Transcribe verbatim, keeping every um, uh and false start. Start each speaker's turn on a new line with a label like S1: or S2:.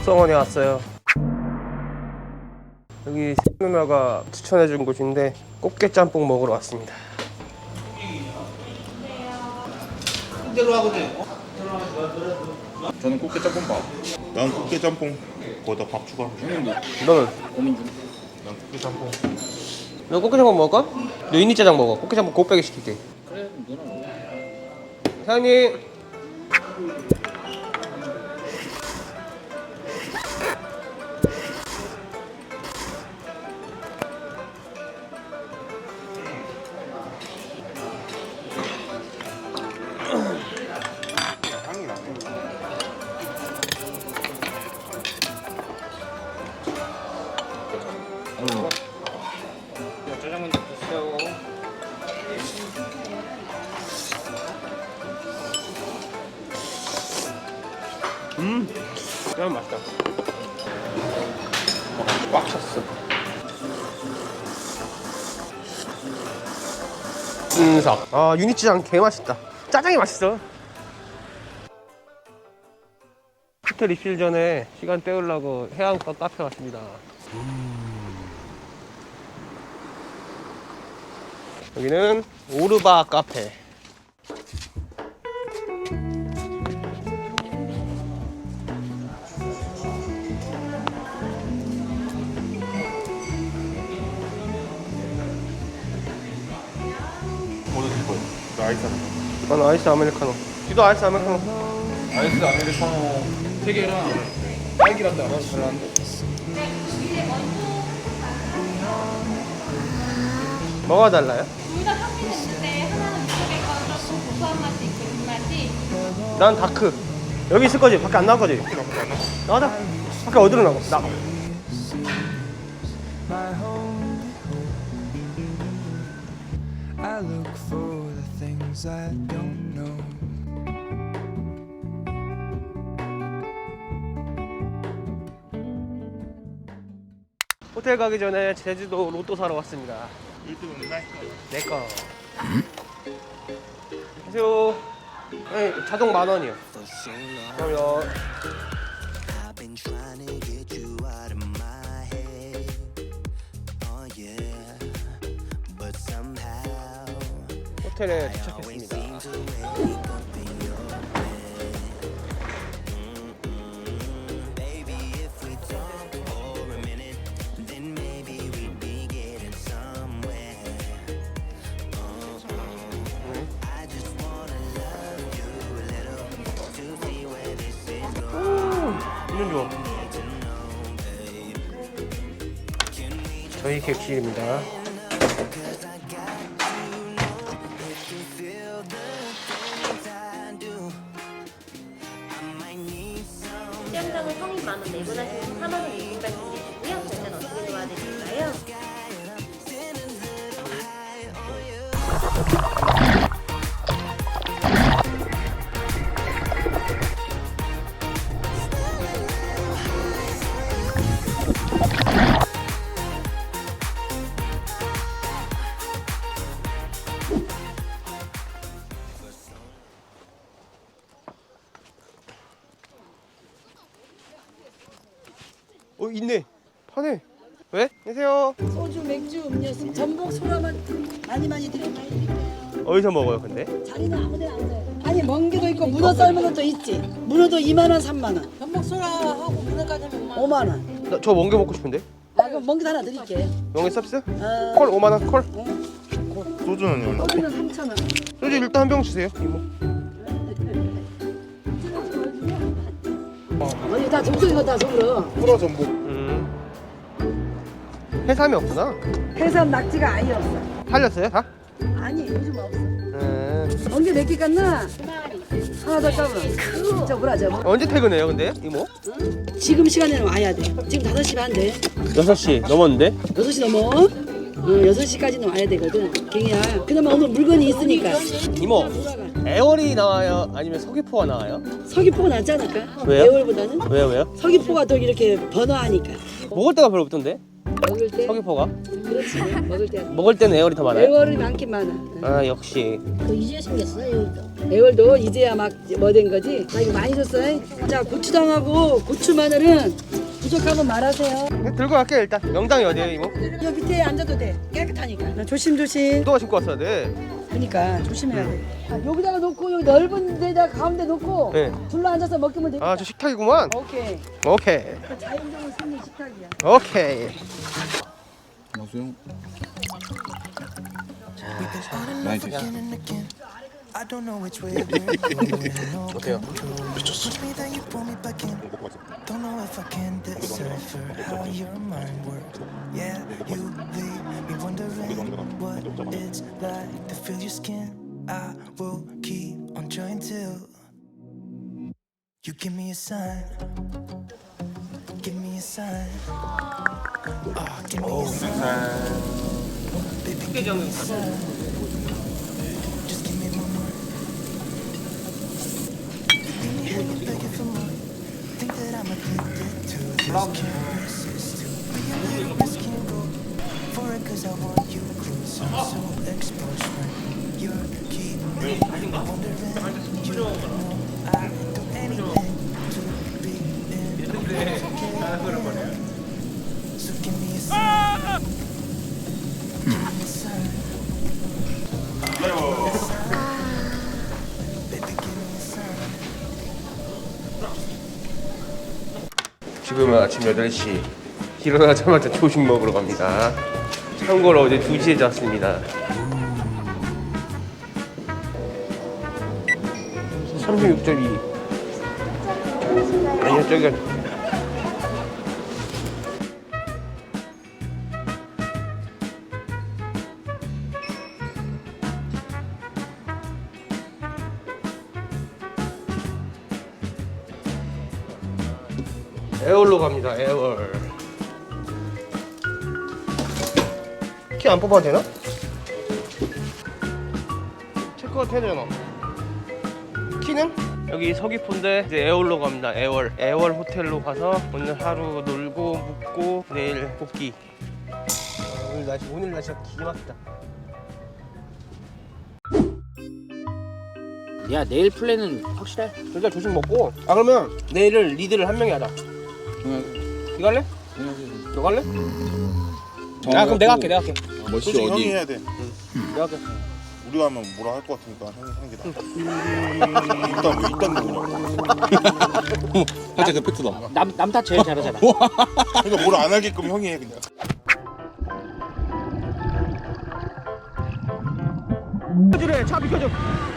S1: 덕성원에 왔어요. 여기 누나가 추천해준 곳인데 꽃게 짬뽕 먹으러 왔습니다.
S2: 저는 꽃게 짬뽕밥.
S3: 난 꽃게 짬뽕 거기다 밥 추가.
S1: 너는?
S2: 고민 중.
S3: 난 꽃게 짬뽕.
S1: 너 꽃게 짬뽕 먹을까? 너 인니짜장 먹어. 꽃게 짬뽕 곱빼기 시킬게.
S2: 그래, 누나 먹어.
S1: 사장님.
S3: 향이 나네.
S2: 짜장면 주세요.
S1: 음, 짜장 맛있다. 꽉 찼어. 은석. 아, 유니치장 개 맛있다. 짜장이 맛있어. 호텔 입실 전에 시간 때우려고 해안가 카페 왔습니다. 음. 여기는 오르바 카페.
S3: 뭐 드실 거예요? 나 아이스 하나.
S1: 난 아이스 아메리카노. 뒤도 아이스 아메리카노.
S2: 아이스 아메리카노 세 개랑 딸기라떼 하나 주시는데.
S1: 뭐가 달라요?
S4: 둘 다 향기는 있는데 하나는 무척의 건 조금 고소한 맛이 있고 그 맛이
S1: 난 다크. 여기 있을 거지? 밖에 안 나올 거지? 나가자. 밖에 어디로 나가? 나가.
S5: I look for the things I don't know.
S1: 호텔 가기 전에 제주도 로또 사러 왔습니다.
S3: 일 등은 나.
S1: 내 거. 안녕하세요. 네, 자동 만 원이요. 그럼요.
S6: I've been trying to get you out of my head. Oh yeah, but somehow
S1: 호텔에
S6: I always
S1: 도착했습니다.
S6: seem to wake up in your bed. Mm-mm. Baby, if we talk for a minute, then maybe we'd be getting somewhere. Uh-uh. I just wanna love you a little to see where this is going.
S1: 이름 좋아. 저희 객실입니다.
S4: 수영장은 성인 만원 내분하시면 사만 원 입금까지 드리시고요. 결제는 어떻게 도와드릴까요?
S1: 어, 있네. 파네. 왜? 안녕하세요.
S7: 소주, 맥주, 음료수, 전복, 소라만 많이 많이 드려 많이 드릴게요.
S1: 어디서 먹어요, 근데?
S7: 자리는 아무데나 앉아요. 아니 먼 게도 있고 문어 삶은 것도 있지. 문어도 이만 원, 삼만 원. 전복 소라하고 문어까지 하면 오만 원.
S1: 나 저 멍게 먹고 싶은데?
S7: 아 그럼 먼 게 하나 드릴게.
S1: 멍게 서비스?
S7: 어,
S1: 콜 오만 원 콜.
S3: 소주는 얼마?
S7: 소주는 삼천 원.
S1: 소주 일단 한 병 주세요, 이모.
S7: 어디 다 정수 이거 다 속으로.
S3: 프로 전복.
S1: 음. 해삼이 없구나.
S7: 해삼 낙지가 아예 없어.
S1: 팔렸어요, 다?
S7: 아니 요즘 없어.
S1: 음.
S7: 먼 게 몇 개 깠나? 하나 더 까면. 저 뭐라 저.
S1: 언제 퇴근해요, 근데? 이모?
S7: 지금 시간에는 와야 돼. 지금 다섯 시 반 돼.
S1: 여섯 시 넘었는데?
S7: 여섯 시 넘어. 어, 여섯 시까지는 와야 되거든. 갱이야. 그나마 오늘 물건이 있으니까.
S1: 이모,
S7: 돌아가.
S1: 애월이 나와요? 아니면 서귀포가 나와요?
S7: 서귀포가 낫지 않을까?
S1: 왜요?
S7: 애월보다는?
S1: 왜요, 왜요?
S7: 서귀포가 더 이렇게 번화하니까.
S1: 먹을 데가 별로 없던데?
S7: 먹을 때.
S1: 서귀포가?
S7: 그렇지. 먹을 때.
S1: 먹을 때는 애월이 더 많아요?
S7: 애월이 많긴 많아.
S1: 아 역시.
S4: 이제 생겼어 애월도.
S7: 애월도 이제야 막 뭐 된 거지. 나 이거 많이 줬어. 자, 고추장하고 고추 마늘은 부족하면 말하세요.
S1: 들고 갈게 일단. 명당이 어디에요 이모?
S7: 여 밑에 앉아도 돼. 깨끗하니까. 조심조심.
S1: 운동화 신고 왔어야 돼.
S7: 그러니까 조심해야 돼. 아, 여기다가 놓고 여기 넓은 데다 가운데 놓고
S1: 네.
S7: 둘러 앉아서 먹으면 돼.
S1: 아 저 식탁이구만.
S7: 오케이.
S1: 오케이.
S7: 자연적으로 생긴 식탁이야.
S1: 오케이.
S2: 마수형.
S6: 많이 됐어. I don't know which way we're going.
S1: 어때요?
S6: Push me, then you pull me back in. Don't know if I can decipher how your mind works. Yeah, you leave me wondering what it's like to feel your skin. I will keep on trying till you give me a sign. Give me a sign. Oh, give me a sign. Baby, give me a sign. Just give me one more. You leave me hanging, begging for more. Think that I'm addicted to this. Can't resist to be a little risk and go for it 'cause I want you closer. So exposed when you're keeping me wondering. You know I'd do anything to be in your care. So give me a sign. Give me a sign. Baby, give me a sign.
S1: 지금은 아침 여덟 시. 일어나자마자 조식 먹으러 갑니다. 참고로 어제 두 시에 잤습니다. 삼십육 점 이. 아니요, 저기. 애월로 갑니다. 애월. 키 안 뽑아도 되나? 체크아웃 해야 되나? 키는? 여기 서귀포인데 이제 애월로 갑니다. 애월. 애월 호텔로 가서 오늘 하루 놀고 묵고 내일 복귀. 아, 오늘 날씨 오늘 날씨가 기가 막히다.
S8: 야 내일 플랜은 확실해?
S1: 일단 조식 먹고. 아 그러면 내일은 리드를 한 명이 하자. 이거 할래? 너 갈래? 아 그럼 내가 할게 내가 할게.
S2: 멋이
S3: 솔직히 형이
S2: 어디?
S3: 해야 돼.
S1: 내가 할게.
S3: 우리가 하면 뭐라 할 것 같으니까 형이 하는 게 나아. 일단 왜 일단 누구냐고.
S2: 살짝 그 팩트다.
S8: 남 남타 제일 잘하잖아.
S3: 그러니까 뭐라 안 하게끔 형이 해 그냥.
S1: 비켜주래 차 비켜줘.